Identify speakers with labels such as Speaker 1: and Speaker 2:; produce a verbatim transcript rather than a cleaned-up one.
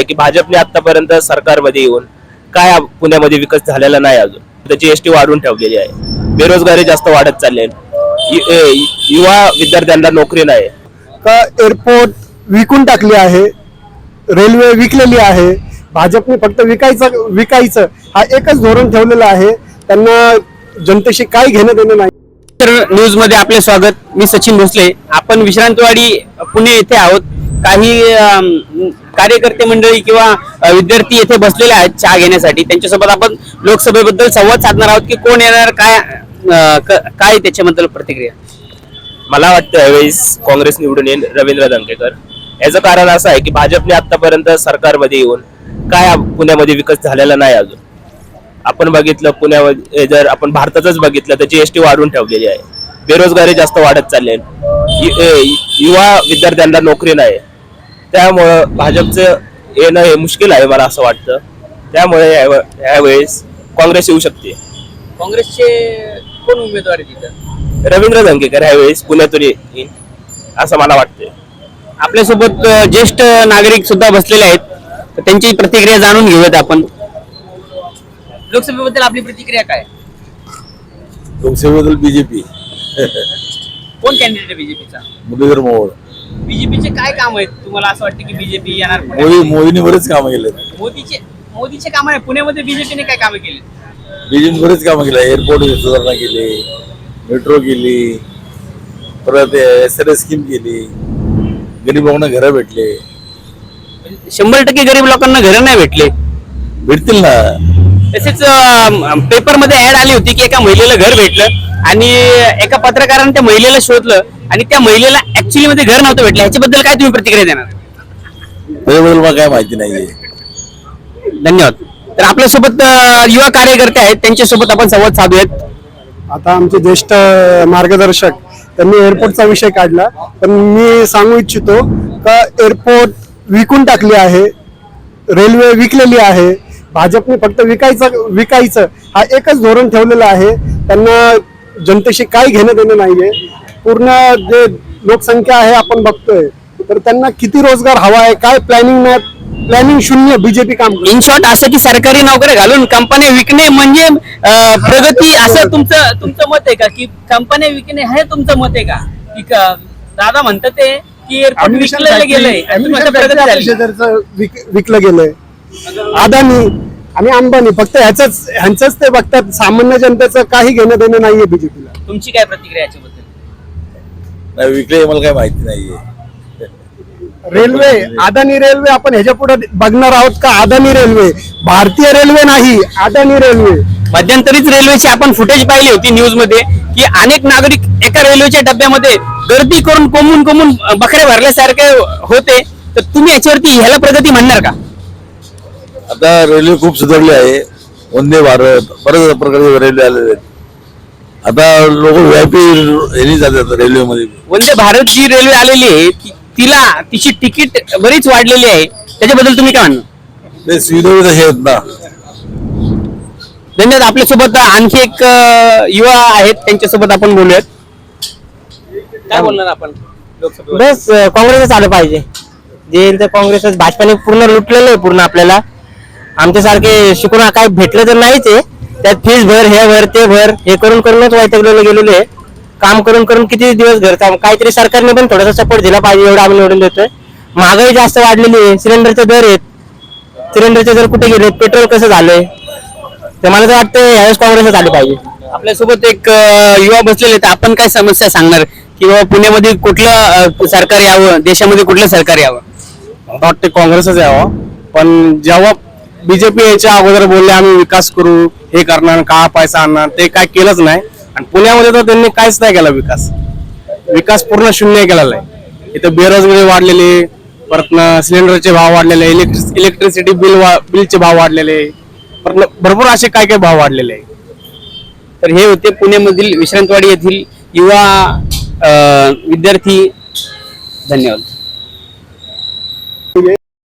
Speaker 1: की भाजपने आतापर्यंत सरकारमध्ये येऊन काय पुण्यामध्ये विकास झालेला नाही, अजून त्याची एसटी वाढवून ठेवलेली आहे, बेरोजगारी जास्त वाढत चालली आहे, युवा विद्यार्थ्यांना नोकरी नाही
Speaker 2: का एअरपोर्ट विकून टाकली आहे, रेल्वे विकलेली आहे, भाजपने फक्त विकायचं विकायचं हा एकच धोरण ठेवलेलं आहे, त्यांना जनतेशी काही घेणं देणं नाही।
Speaker 3: न्यूज मध्ये आपले स्वागत। मी सचिन भोसले। आपण विश्रांतवाडी पुणे येथे आहोत। काही कार्यकर्ते मंडळी किंवा विद्यार्थी येथे बसलेले आहेत चहा घेण्यासाठी। त्यांच्यासोबत आपण लोकसभेबद्दल संवाद साधणार आहोत की कोण येणार, काय काय त्याच्याबद्दल प्रतिक्रिया।
Speaker 1: मला वाटतं यावेळेस काँग्रेस निवडून येईल रवींद्र दंगेकर। याचं कारण असं आहे की भाजपने आतापर्यंत सरकारमध्ये येऊन काय पुण्यामध्ये विकास झालेला नाही, अजून आपण बघितलं पुण्यामध्ये जर आपण भारतातच बघितलं तर जीएसटी वाढवून ठेवलेली आहे, बेरोजगारी जास्त वाढत चालली आहे, युवा विद्यार्थ्यांना नोकरी नाही, त्यामुळं भाजपचं येणं हे मुश्किल आहे मला असं वाटतं। त्यामुळे यावेळेस काँग्रेस येऊ शकते।
Speaker 3: काँग्रेसचे कोण उमेदवार तिथं?
Speaker 1: रवींद्र दंगेकर यावेळेस पुण्यातून येईल असं मला वाटतंय।
Speaker 3: आपल्यासोबत ज्येष्ठ नागरिक सुद्धा बसलेले आहेत, तर त्यांची प्रतिक्रिया जाणून घेऊयात आपण। लोकसभेबद्दल आपली प्रतिक्रिया काय?
Speaker 4: लोकसभेबद्दल बीजेपी
Speaker 3: कोण कॅन्डिडेट आहे बीजेपीचा?
Speaker 4: मुरलीधर मोहोळ।
Speaker 3: बीजेपीचे काय काम आहेत तुम्हाला असं वाटतं की बीजेपी येणार?
Speaker 4: मोदी मोदींनी बरेच कामं केले।
Speaker 3: मोदीचे मोदीचे काम आहे पुण्यामध्ये, बीजेपीने काय कामं केली?
Speaker 4: बीजेपी बरेच कामं केले, एअरपोर्ट सुधारणा केली, मेट्रो केली, परत एस आर एस स्कीम केली, गरीब लोकांना घरं भेटले।
Speaker 3: शंभर टक्के गरीब लोकांना घरं नाही भेटले,
Speaker 4: भेटतील ना।
Speaker 3: तसेच पेपर मध्ये ऍड आली होती की एका महिलेला घर भेटलं आणि एका पत्रकाराने त्या महिलेला शोधलं आणि त्या महिलेला ऍक्च्युअली मध्ये घर नव्हतं भेटलं। ह्याच्याबद्दल काय तुम्ही प्रतिक्रिया देणार?
Speaker 4: त्याच्याबद्दल मला काय माहिती नाहीये।
Speaker 3: धन्यवाद। तर आपल्यासोबत युवा कार्यकर्ते आहेत, त्यांच्यासोबत आपण संवाद साधूयात।
Speaker 2: आता आमचे ज्येष्ठ मार्गदर्शक त्यांनी एअरपोर्टचा विषय काढला, पण मी सांगू इच्छितो का एअरपोर्ट विकून टाकली आहे, रेल्वे विकलेली आहे, भाजपने फक्त विकायचं विकायचं हा एकच धोरण ठेवलेलं आहे, त्यांना जनतेशी काही घेणं देणं नाहीये। पूर्ण जे लोकसंख्या आहे आपण बघतोय, तर त्यांना किती रोजगार हवा आहे, काय प्लॅनिंग नाही, प्लॅनिंग शून्य बीजेपी काम।
Speaker 3: इन शॉर्ट असं की सरकारी नोकऱ्या घालून कंपन्या विकणे म्हणजे प्रगती, असं तुमचं तुमचं मत आहे का? की कंपन्या विकणे हे तुमचं मत आहे का? की दादा म्हणतात ते की एअरपोर्ट विकलं गेलंय आणि तुम्ही प्रगती झाली,
Speaker 2: विकलं गेलंय। अदानी आणि अंबानी फक्त ह्याच ह्यांचंच ते बघतात, सामान्य जनतेचं काही घेणं देणं नाहीये बीजेपीला।
Speaker 3: तुमची काय प्रतिक्रिया याच्याबद्दल?
Speaker 4: नाही, विकले मला काय माहिती नाहीये।
Speaker 2: रेल्वे, अदानी रेल्वे आपण ह्याच्या पुढे बघणार आहोत का? अदानी रेल्वे भारतीय रेल्वे नाही, अदानी रेल्वे।
Speaker 3: मध्यंतरीच रेल्वेची आपण फुटेज पाहिली होती न्यूज मध्ये की अनेक नागरिक एका रेल्वेच्या डब्यामध्ये गर्दी करून कोंबून कोंबून बकरे भरल्यासारखे होते, तर तुम्ही याच्यावरती ह्याला प्रगती म्हणणार का?
Speaker 4: आता रेल्वे खूप सुधारली आहे, वंदे भारत बरेच प्रकारचे रेल्वे आलेले आहेत। आता लोक व्हीआयपी जातात रेल्वेमध्ये।
Speaker 3: वंदे भारत जी रेल्वे आलेली आहे तिला तिची तिकीट बरीच वाढलेली आहे, त्याच्याबद्दल तुम्ही काय म्हणणार?
Speaker 4: ते सुविधा तसे आहेत ना।
Speaker 3: धन्यवाद। आपल्यासोबत आणखी एक युवा आहेत, त्यांच्यासोबत आपण बोलूयात। काय बोलणार आपण?
Speaker 5: बस काँग्रेसच आलं पाहिजे, जे काँग्रेसच, भाजपाने पूर्ण लुटलेलं आहे पूर्ण आपल्याला। आमच्यासारखे शिकून काय भेटलं तर नाहीच आहे, त्यात फीस भर, हे भर, ते भर, हे करून करूनच वैतागलेलं गेलेले आहे। काम करून करून किती दिवस घर काम, काहीतरी सरकारने पण थोडासा सपोर्ट दिला पाहिजे, एवढं आम्ही निवडून देतोय। महागाई जास्त वाढलेली आहे, सिलेंडरचे दर आहेत, सिलेंडरचे दर कुठे गेले, पेट्रोल कसं झालंय, ते मला तर वाटतं यावेळेस काँग्रेसच आली पाहिजे।
Speaker 3: आपल्यासोबत एक युवा बसलेले, तर आपण काय समस्या सांगणार की बाबा पुण्यामध्ये कुठलं सरकार यावं, देशामध्ये कुठलं सरकार यावं?
Speaker 2: मला वाटतं काँग्रेसच यावं, पण जेव्हा बीजेपी याच्या अगोदर बोलले आम्ही विकास करू, हे करणार, का पैसा आणणार, ते काय केलंच नाही। आणि पुण्यामध्ये तर त्यांनी काहीच नाही केला विकास, विकास पूर्ण शून्य केलेला आहे। इथं बेरोजगारी वाढलेली, परत सिलेंडरचे भाव वाढलेले, इलेक्ट्रिक इलेक्ट्रिसिटी बिल बिलचे भाव वाढलेले, परत भरपूर असे काय काय भाव वाढलेले आहे।
Speaker 3: तर हे होते पुण्यामधील विश्रांतवाडी येथील युवा विद्यार्थी। धन्यवाद।